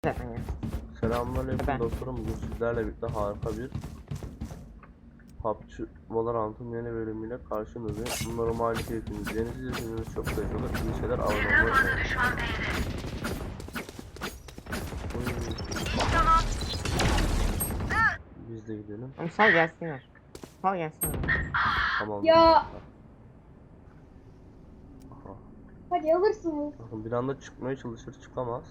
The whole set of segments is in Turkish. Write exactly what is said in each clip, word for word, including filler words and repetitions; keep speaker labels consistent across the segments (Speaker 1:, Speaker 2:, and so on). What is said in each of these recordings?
Speaker 1: Selamünaleyküm dostlarım. Bugün sizlerle birlikte harika bir P U B G Valorant'ın yeni bölümüyle karşınızdayım. Umarım harika keyfiniz yenisi izlediğiniz çok güzel olur. İyi şeyler abone olmayı unutmayın. Biz de gidelim.
Speaker 2: Ama sal gelsinler. Sal gelsinler.
Speaker 1: Tamam.
Speaker 3: Ya.
Speaker 1: Aha.
Speaker 3: Hadi alırsınız.
Speaker 1: Bakın bir anda çıkmaya çalışır, çıkamaz.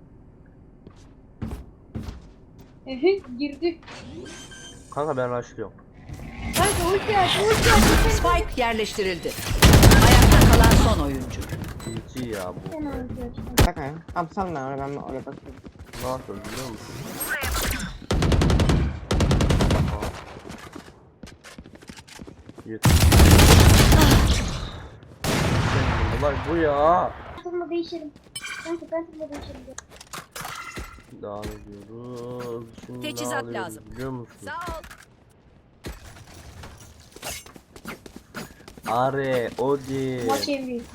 Speaker 3: Ehe girdi.
Speaker 1: Kanka ben rushlıyorum.
Speaker 3: Kanka ulti aç ulti aç.
Speaker 4: Spike yerleştirildi. Ayakta kalan son oyuncu.
Speaker 1: İyi ya bu.
Speaker 3: Sen ulti aç.
Speaker 2: Bak abi. Abi sal ben oraya ben oraya bakıyorum.
Speaker 1: Ne yapıyoruz biliyor musun? Aha. Yeter. Olay bu ya.
Speaker 3: Takımla değişelim. Kanka ben takımla değişelim.
Speaker 1: Devam ediyoruz. Şimdi
Speaker 4: Teçhizat
Speaker 1: ne alıyoruz
Speaker 4: lazım.
Speaker 1: biliyor musun?
Speaker 4: Sağ ol.
Speaker 1: Are, Odi.
Speaker 3: Maç en büyük.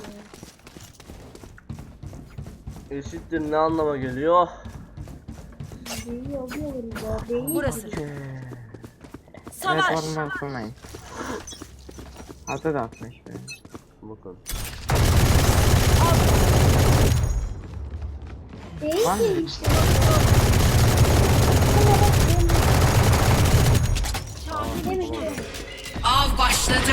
Speaker 1: Eşittir ne anlama geliyor?
Speaker 3: Beyi alıyoruz ya. Beyi.
Speaker 4: Burası.
Speaker 2: Evet
Speaker 4: Savaş.
Speaker 2: oradan sormayın. Altı da atmış böyle.
Speaker 1: Bakın.
Speaker 3: Beyi
Speaker 2: Var mı?
Speaker 3: değil işte. Demiştim.
Speaker 4: Av başladı.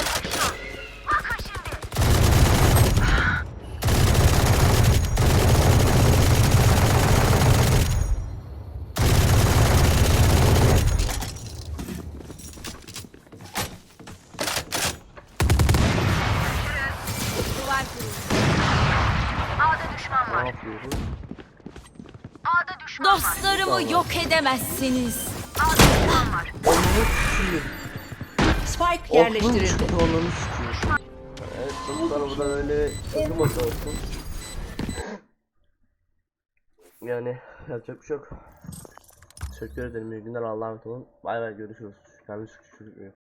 Speaker 1: Ne yapıyoruz?
Speaker 4: Dostlarımı yok edemezsiniz. Spike yerleştirildi.
Speaker 1: Onu sıkıyor. Evet dostlar bu da böyle takım olsun. Yani yapacak bir şey yok. Teşekkür ederim. İyi günler. Allah'a emanet olun. Bay bay görüşürüz. Kendinize çok iyi bakın.